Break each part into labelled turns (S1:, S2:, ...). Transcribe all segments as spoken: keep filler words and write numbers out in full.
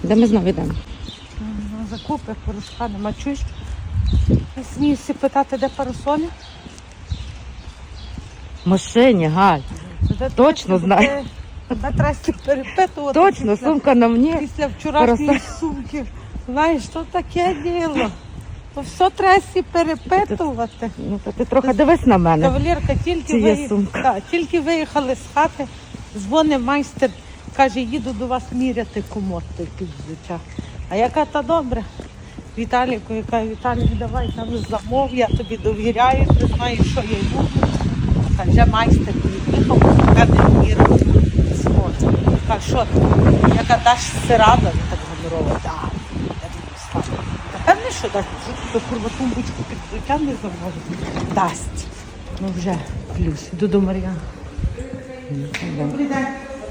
S1: Де ми знову йдемо?
S2: Закупи, порошка нема. Чуєш? Сміюся питати, де парасолі?
S1: В машині, Галь.
S2: Де
S1: Точно
S2: де-
S1: знаю.
S2: Де треба перепитувати.
S1: Точно,
S2: після-
S1: сумка на мені.
S2: Після вчорашньої
S1: Парасоль.
S2: сумки. Знаєш, що таке діло? То все треба всі перепитувати.
S1: Ну, то ти трохи дивись на мене.
S2: Кавалерка, тільки,
S1: Чи є
S2: виї-
S1: сумка?
S2: Так, тільки виїхали з хати, дзвонить майстер, каже, їду до вас міряти комод той під взуття. А яка та добре? Віталіку, яка Віталік, давай там замов, я тобі довіряю, ти знаєш, що я йду. Та вже майстер приїхав, мене міряв. Каже, що ти? Яка даш сирада, він так гонорова. Так, я думаю, слава. Та певне, що дасть, що ти курва тумбочку під взуття не замовить. Дасть. Ну вже плюс. Йду до Мар'яни. Добрий день.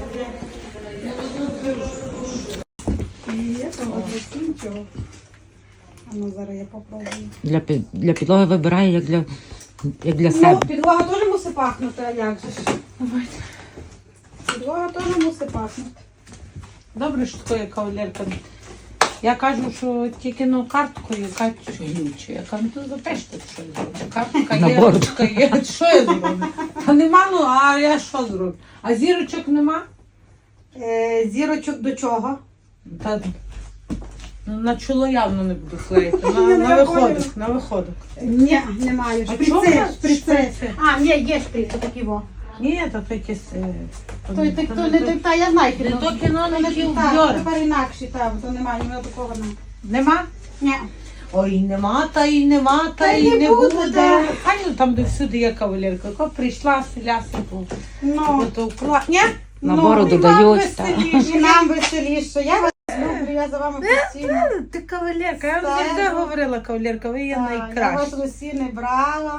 S3: А ну зараз я попробую.
S1: Для, пі- для підлоги вибирає, як для, як для
S3: Ну,
S1: себе.
S3: підлога теж мусить пахнути, а як же ж? Підлога теж мусить пахнути.
S2: Добре, що такої кавалерка. Я кажу, що тільки ну карткою, яка глюча. Я кажу, ну то запишете, що я зроблю. Картка
S1: На
S2: є,
S1: борт.
S2: ручка є, що я зроблю? Та нема, ну, а я що зроблю? А зірочок нема?
S3: Е, зірочок до чого?
S2: Та ну, на чоло явно не буду клеїти. На,
S3: Я
S2: на
S3: не
S2: виходок,
S3: поняла.
S2: на виходок.
S3: Ні, немає.
S2: А
S3: Шприци,
S2: чого
S3: шприци.
S2: шприци?
S3: А, ні, є шприци, такі во.
S2: Ні, то якесь... е,
S3: Той, той, той, не той, та, я знаю
S2: Не
S3: кіно.
S2: то кіно, не ті
S3: Так,
S2: вбьори.
S3: тепер інакші, так, то немає, ні такого немає.
S2: Нема?
S3: Ні.
S2: Ой, нема, та і нема, та
S3: Та
S2: і
S3: не
S2: не
S3: буде,
S2: буде.
S3: да.
S2: А ну там де всюди є кавалерка. Яка прийшла, селяся,
S3: Ну,
S2: потовкла. Ні?
S1: На
S3: ну,
S1: бороду
S2: і вам
S1: дають. та.
S2: веселіше.
S3: і нам веселіше. Я вас люблю, я за вами постійно.
S2: Ти кавалерка, я вам
S3: Все.
S2: завжди говорила, кавалерка, ви є
S3: Так, Я вас
S2: найкраща.
S3: усі не брала.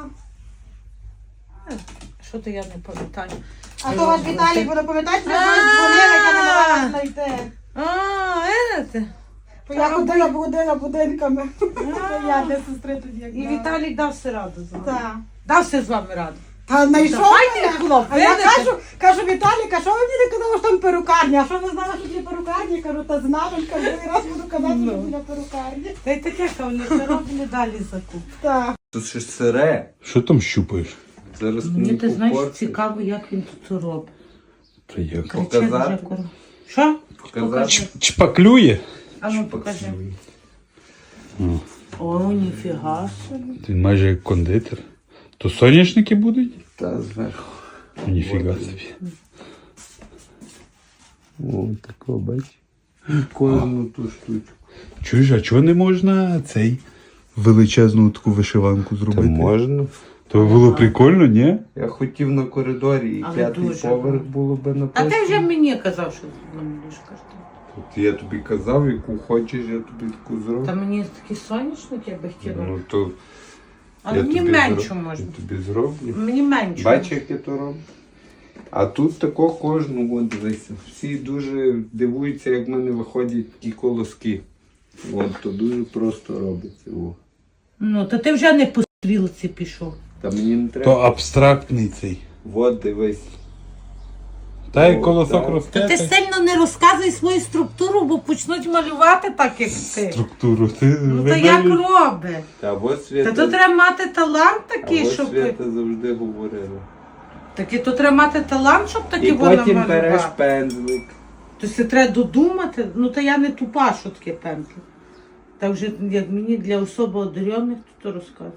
S2: Що то я не пам'ятаю?
S3: А то ваш Віталій буде пам'ятати, що я дзвонила, яка не могла вас знайти.
S2: А, видите?
S3: Бо я ходила, будила будинками. Я для сестри тоді як
S2: І
S3: брала.
S2: Віталік дав все раду з вами.
S3: Так.
S2: Дався з вами раду.
S3: Та знайшов
S2: Давайте,
S3: мене.
S2: хлоп,
S3: А я
S2: видите?
S3: кажу, кажу, Віталік, а що ви мені не казали, що там перукарня? А що ви знали, що є перукарня? Кажу, та знала, кажу, другий раз буду казати, що
S2: Ну.
S3: біля перукарні.
S2: Та й таке, кавалерка, робили далі закуп.
S3: Так.
S4: Тут ще ж сире.
S5: Що там щупаєш?
S4: Зараз
S2: Мені
S4: мені
S2: ти знаєш,
S4: попортиш.
S2: цікаво, як він тут це робить.
S5: Та як?
S2: Кричить
S4: Показати?
S2: вже кур- Що?
S4: Показати?
S5: Ч- Чпаклює?
S2: А ну покажи.
S5: О,
S2: О, ніфіга собі.
S5: ти майже як кондитер. То соняшники будуть?
S4: Та зверху.
S5: Ніфіга собі.
S4: О, такого бач. Кожну ту штучку.
S5: Чуєш, а чого не можна цей величезну таку вишиванку
S4: Та
S5: зробити?
S4: можна.
S5: То було прикольно, ні?
S4: Я хотів на коридорі і
S2: Але
S4: п'ятий
S2: дуже
S4: поверх
S2: гарно.
S4: було би
S2: А
S4: написано.
S2: ти вже мені казав, що намалюєш картину.
S4: От я тобі казав, яку хочеш, я тобі таку зроблю.
S2: Та мені такі соняшники я би хотіла.
S4: Ну то
S2: Але
S4: я
S2: мені
S4: тобі
S2: менше
S4: зроб-
S2: можна.
S4: Я тобі зроблю.
S2: Мені менше.
S4: Бачиш, як я то роблю? А тут тако кожну, от дивися. Всі дуже дивуються, як в мене виходять ті колоски. От, то дуже просто робиться. О.
S2: Ну, то ти вже не по стрілці пішов.
S4: Та мені не
S5: То
S4: треба.
S5: абстрактний цей.
S4: От дивись.
S5: Та як
S4: О,
S5: колосок
S4: так.
S5: росте.
S2: Та ти
S5: так
S2: сильно не розказуй свою структуру, бо почнуть малювати так, як ти.
S5: Структуру. Ти
S2: Ну то
S5: видалі-
S2: як робить?
S4: Та от
S2: Та
S4: Свята,
S2: то треба мати талант
S4: а
S2: такий,
S4: от
S2: щоб.
S4: Свята завжди говорила.
S2: Такі то треба мати талант, щоб такі
S4: І
S2: воно
S4: потім береш
S2: малювати.
S4: пензлик.
S2: То це треба додумати. Ну та я не тупа, що таке пензлик. Та вже як мені для особо одарених, то то розказує.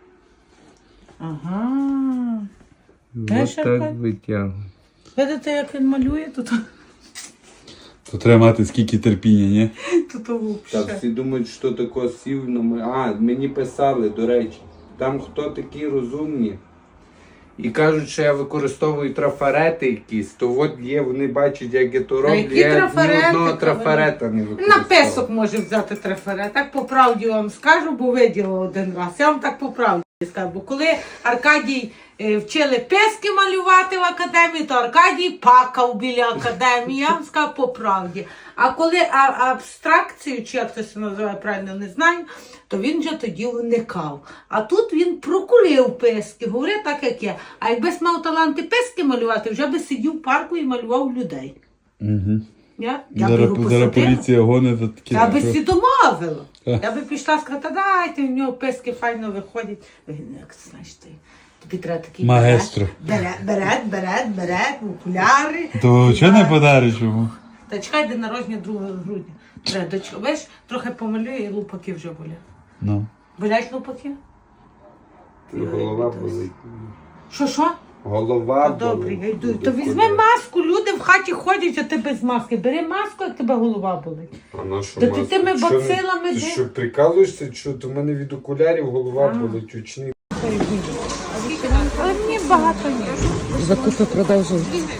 S2: Ага. Знаєш,
S4: Ось так
S2: Аркадій?
S4: витягуй.
S2: Видите, як він малює, то то,
S5: То треба мати скільки терпіння, ні?
S2: то, то
S4: Та
S2: взагалі.
S4: всі думають, що тако сів на мо- А, мені писали, до речі. Там хто такі розумні. І кажуть, що я використовую трафарети якісь, то от є, вони бачать, як я то роблю.
S2: які
S4: Я ні
S2: трафарети,
S4: одного
S2: Кавалер?
S4: трафарета не
S2: На
S4: використовую.
S2: песок може взяти трафарет. Так по правді вам скажу, бо виділа один раз. Я вам так по правді скажу. Бо коли Аркадій е, вчили пески малювати в академії, то Аркадій пакав біля академії. Я вам скажу по правді. А коли а, абстракцію, чи як це се називає правильно, не знаю, то він вже тоді уникав. А тут він прокулив пески, говорив так, як є. А якби мав таланти пески малювати, вже би сидів в парку і малював людей.
S5: Угу.
S2: Я, я
S5: Зараз,
S2: б його
S5: зараз
S2: посадила.
S5: поліція гонить за такі.
S2: Я би
S5: що-
S2: всі домовила.
S5: Так.
S2: Я би пішла сказати, та дайте, в нього писки файно виходять. Він, як знаєш ти, тобі треба такий
S5: Маестро.
S2: берет, берет, берет, берет, окуляри.
S5: То
S2: І
S5: чого не
S2: так.
S5: подариш йому?
S2: Та чекай, день народження другого грудня. Треба, доч- Бачиш, трохи помалюю і лупаки вже болять.
S5: Ну.
S2: Болять лупаки?
S4: Голова болить.
S2: Що, що?
S4: Голова
S2: Та добре, я
S4: болить.
S2: йду. То візьми маску, люди в хаті ходять, а ти без маски. Бери маску, як тебе голова болить.
S4: А на що
S2: Та ти
S4: маску?
S2: тими
S4: Що,
S2: бацилами
S4: Ти
S2: де?
S4: що, прикалуєшся? Що, то в мене від окулярів голова болить очний.
S2: Але мені багато ні.
S1: Закупи продовжуй.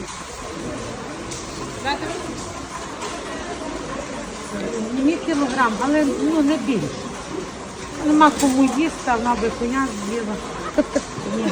S2: Мені кілограм, але ну, не більше. Нема кому їсти, а вона би коня з'їла. Ні.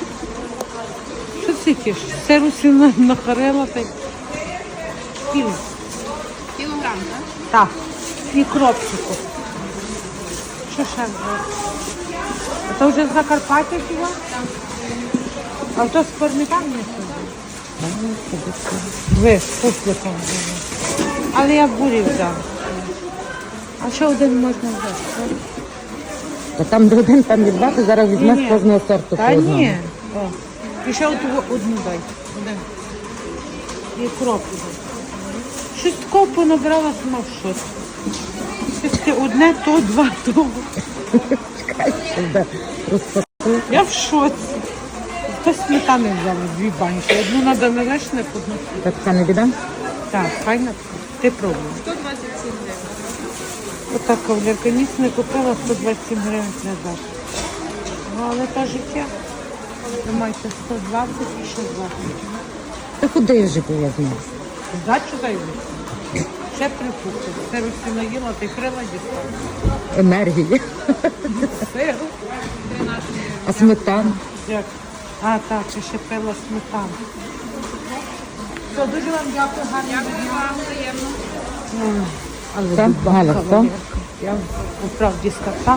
S2: Що це тіш? Сиру сильно нахарила та й кіло.
S3: Кілограм, так?
S2: Так, і кропчику. Що ще було? А то вже з Закарпаття хіба? А то з пармітан не сюди. Ви, сусликом було. Але я бурі взяла. А що один можна взяти?
S1: Та там до один, там від два, ти зараз візьмеш
S2: Ні-ні.
S1: кожного сорту
S2: Та
S1: по одному.
S2: ні. О. І ще от одну дай. Один. І кроп. Щось такого понабрала сама в шоці. Щось таке одне, то два, то.
S1: Де розпакуй.
S2: Я в шоці. Хтось сметани взяла дві банки. Одну на домелешник, одну.
S1: Так це не біда?
S2: Так, файно. Ти пробуй.
S3: сто двадцять сім гривень.
S2: Отак кавалерка, ніц не купила, сто двадцять сім гривень не даш. Ну, але та життя. Тримайте сто двадцять і ще двадцять.
S1: Та куди вже було з нас?
S2: Здачу дай. Ще припухли. Це Русі наїла, ти крила дістала.
S1: Енергії.
S2: Сир.
S1: А сметана?
S2: Як? А, так, я ще пила сметану. Все, дуже вам дякую, гарно.
S3: Дякую вам, приємно.
S2: Але
S1: Все,
S2: дубака,
S1: Галя, все?
S2: Валерка. Я по правді сказала.